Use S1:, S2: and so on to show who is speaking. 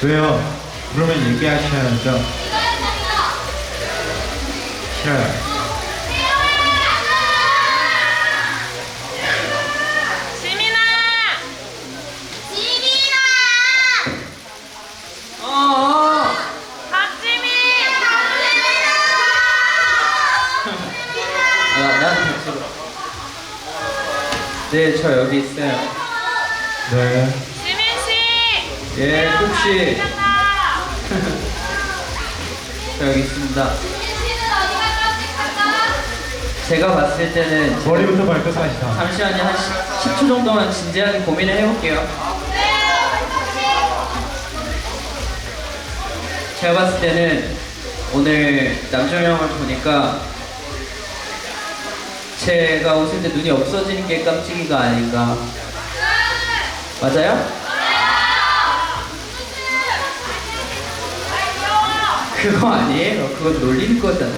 S1: 왜요? 그러면 얘기하셔야죠. 싫어요.
S2: 지민아! 박지민!
S3: 난 백수로. 네, 저 여기 있어요.
S1: 네.
S2: 지민씨!
S3: 예, 꾹씨.
S2: 괜찮아.
S3: 저 여기 있습니다. 제가 봤을 때는
S1: 머리부터 발끝까지 다.
S3: 잠시만요. 한 10초 정도만 진지하게 고민을 해볼게요. 제가 봤을 때는 오늘 남정 형을 보니까 제가 웃을 때 눈이 없어지는 게 깜찍이가 아닌가. 맞아요? 그거 아니에요. 그건 놀리는 거잖아.